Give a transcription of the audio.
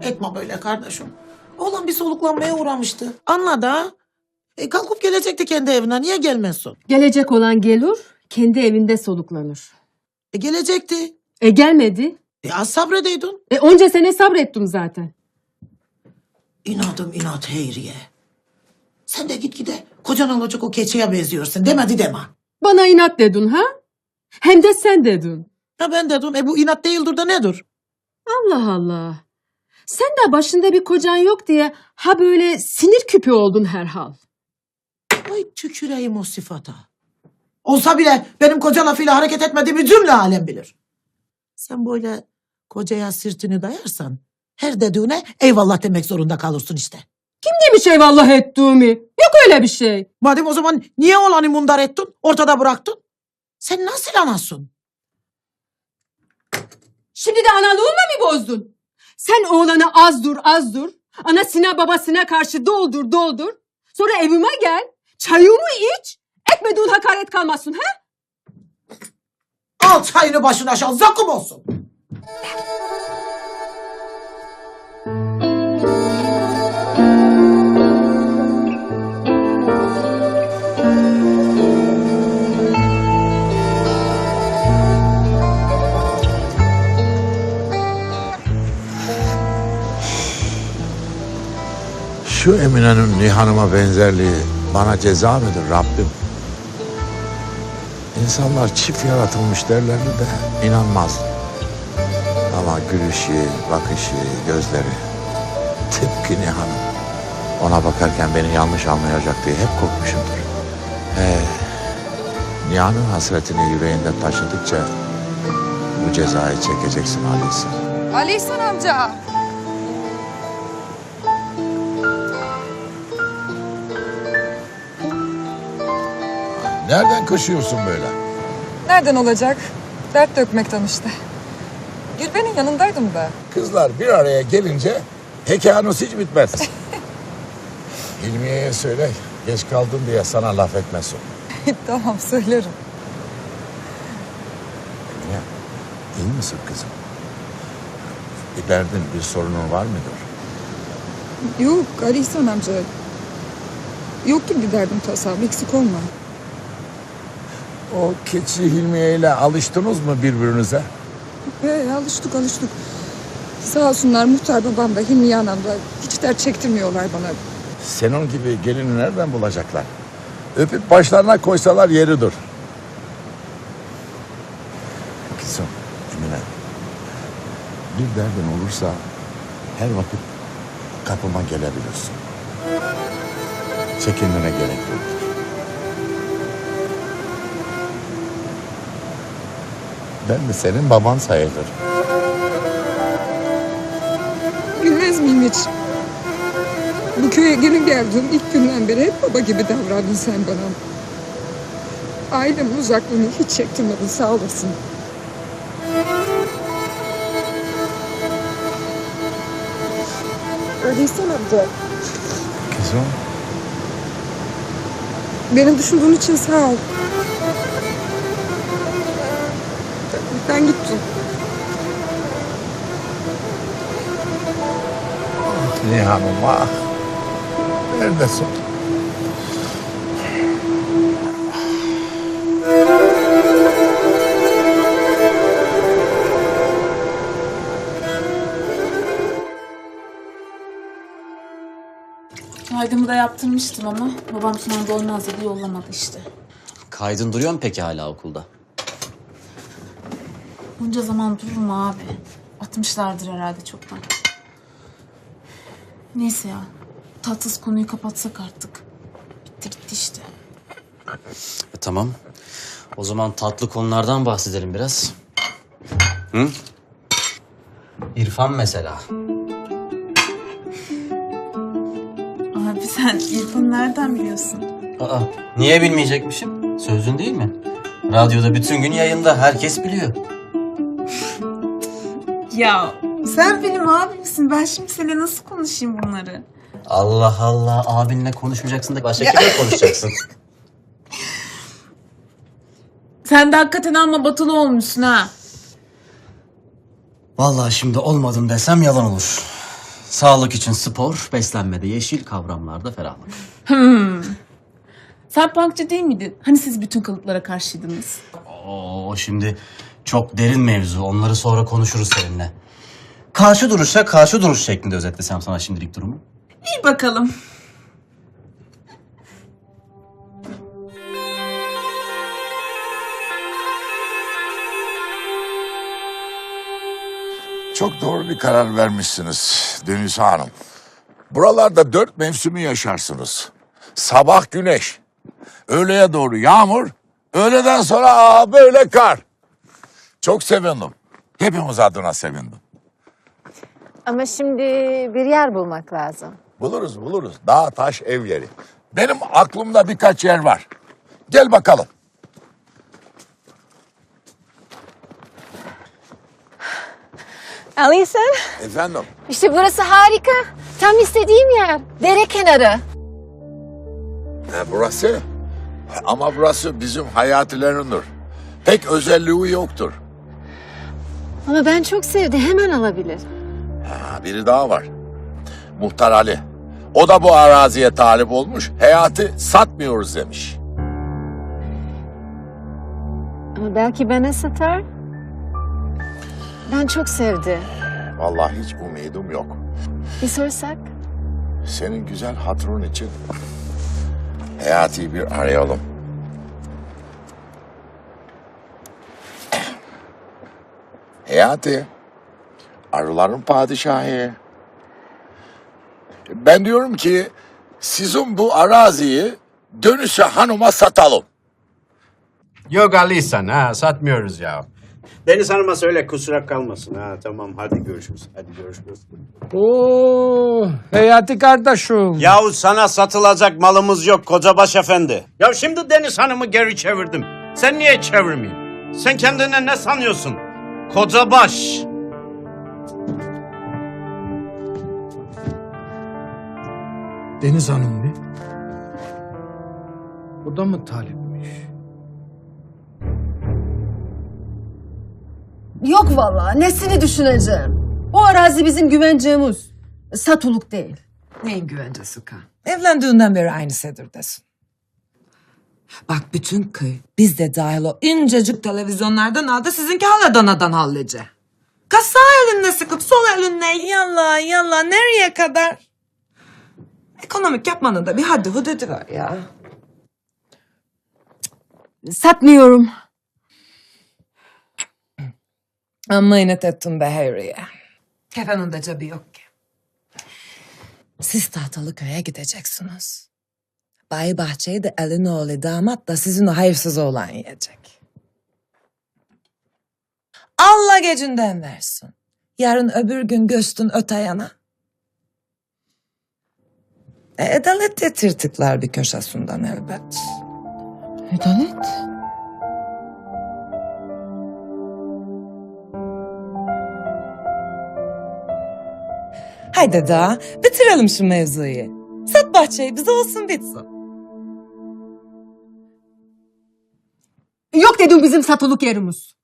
etme böyle kardeşim. Oğlan bir soluklanmaya uğramıştı. Anladı ha. Kalkıp gelecekti kendi evine. Niye gelmezsin? Gelecek olan gelir, kendi evinde soluklanır. Gelecekti. Gelmedi. Az sabredeydin. Onca sene sabrettim zaten. İnadım inat Heyriye. Sen de gitgide kocan olacak o keçiye benziyorsun. Demedi deme. Bana inat dedin ha? Hem de sen dedin. Ha ben dedim. Bu inat değildir de nedir? Allah Allah. Sen de başında bir kocan yok diye ha böyle sinir küpü oldun herhal. Ay tüküreyim o sıfata. Olsa bile benim koca lafıyla hareket etmediğimi cümle alem bilir. Sen böyle kocaya sırtını dayarsan her dediğine eyvallah demek zorunda kalırsın işte. Kim demiş eyvallah ettiğimi? Yok öyle bir şey. Madem o zaman niye olanı mundar ettin, ortada bıraktın? Sen nasıl anasın? Şimdi de analığımla mı bozdun? Sen oğlana az dur. Anasına babasına karşı doldur. Sonra evime gel, çayımı iç, etmediğin hakaret kalmasın ha? Al çayını başına aşağı, zakkum olsun. Şu Emine'nin Nihan'ıma benzerliği bana ceza mıdır Rabbim? İnsanlar çift yaratılmış derlerdi de inanmazdım. Ama gülüşü, bakışı, gözleri tıpkı Nihan'ın. Ona bakarken beni yanlış anlayacak diye hep korkmuşumdur. Nihan'ın hasretini yüreğinde taşıdıkça bu cezayı çekeceksin Ali İhsan. Ali İhsan amca. Nereden koşuyorsun böyle? Nereden olacak? Dert dökmekten işte. Gülben'in yanındaydım da. Kızlar bir araya gelince hekanus hiç bitmez. Hilmiye'ye söyle, geç kaldın diye sana laf etmesin. Tamam söylerim. Ya, iyi misin kızım? Bir derdin, bir sorunun var mıdır? Yok Ali İhsan amca. Yok ki bir derdim tasam. Eksik olma. O keçi Hilmiye ile alıştınız mı birbirinize? Alıştık. Sağ olsunlar muhtar babam da Hilmiye anam da hiç dert çektirmiyorlar bana. Senin gibi gelini nereden bulacaklar? Öpüp başlarına koysalar yeridir. Kızım, Emine. Bir derdin olursa her vakit kapıma gelebilirsin. Çekinmene gerek yoktur. Ben de senin baban sayılırım. Bilmez miyim hiç? Bu köye gelin geldiğim ilk günden beri hep baba gibi davrandın sen bana. Ailemin uzaklığını hiç çektirmedin sağ olasın. Öyleysen amca. Kızım. Beni düşündüğün için sağ ol. Ben gittim. Nihan'ım ah. Neredesin? Kaydımı da yaptırmıştım ama babam sınavda olmaz dedi yollamadı işte. Kaydın duruyor mu peki hala okulda? Bunca zaman durur mu abi? Atmışlardır herhalde çoktan. Neyse ya. Tatsız konuyu kapatsak artık. Bitti gitti işte. Tamam. O zaman tatlı konulardan bahsedelim biraz. Hı? İrfan mesela. Abi sen İrfan'ı nereden biliyorsun? Aa, niye bilmeyecekmişim? Sözün değil mi? Radyoda bütün gün yayında. Herkes biliyor. Ya sen benim abimsin. Ben şimdi seninle nasıl konuşayım bunları? Allah Allah. Abinle konuşmayacaksın da başka kimle konuşacaksın? Sen de hakikaten amma batılı olmuşsun ha. Vallahi şimdi olmadım desem yalan olur. Sağlık için spor, beslenmede yeşil, kavramlarda ferahlık. Sen punkçı değil miydin? Hani siz bütün kalıplara karşıydınız? Oo, şimdi çok derin mevzu. Onları sonra konuşuruz seninle. Karşı duruşa karşı duruş şeklinde özetlesem sana şimdilik durumu. İyi bakalım. Çok doğru bir karar vermişsiniz Deniz Hanım. Buralarda 4 mevsimi yaşarsınız. Sabah güneş, öğleye doğru yağmur, öğleden sonra böyle kar. Çok sevindim. Hepimiz adına sevindim. Ama şimdi bir yer bulmak lazım. Buluruz. Dağ, taş, ev yeri. Benim aklımda birkaç yer var. Gel bakalım. Alisa, Efendim? işte burası harika. Tam istediğim yer. Dere kenarı. Burası? Ama burası bizim hayatilerindir. Pek özelliği yoktur. Ama ben çok sevdim. Hemen alabilir. Biri daha var. Muhtar Ali. O da bu araziye talip olmuş. Hayatı satmıyoruz demiş. Ama belki bana satar. Ben çok sevdim. Vallahi hiç umudum yok. Bir sorsak? Senin güzel hatırın için Hayati'yi bir arayalım. Hayati, arıların padişahı. Ben diyorum ki sizin bu araziyi Dönüşe Hanım'a satalım. Yok Alisan ha satmıyoruz ya. Deniz Hanım'a söyle kusura kalmasın ha tamam hadi görüşürüz. Hadi görüşürüz. Oo, Hayati kardeşim. Yahu sana satılacak malımız yok Kocabaş Efendi. Ya şimdi Deniz Hanım'ı geri çevirdim. Sen niye çevirmeyeyim? Sen kendine ne sanıyorsun? Kocabaş. Deniz Hanım mı? O da mı talipmiş? Yok vallahi nesini düşüneceğim. O arazi bizim güvencemiz. Satılık değil. Neyin güvencesi kan? Evlendiğinden beri aynı sedirdesin. Bak bütün köy biz de dahil o incecik televizyonlardan aldı sizinki hala danadan hallice. Kız sağ elinle sıkıp sol elinle yallah nereye kadar? Ekonomik yapmanın da bir haddi hududu var ya. Satmıyorum. Amma inat ettin be Harry'e. Kefenin de cebi yok ki. Siz tahtalı köye gideceksiniz. Bay Bahçe'yi de elin oğlu damat da sizin o hayırsız oğlan yiyecek. Allah gecinden versin. Yarın öbür gün göstün öte yana. Edalet de tırtıklar bir köşesinden elbet. Edalet? Haydi daha bitirelim şu mevzuyu. Sat bahçeyi bize olsun bitsin. Yok dedim bizim satılık yerimiz.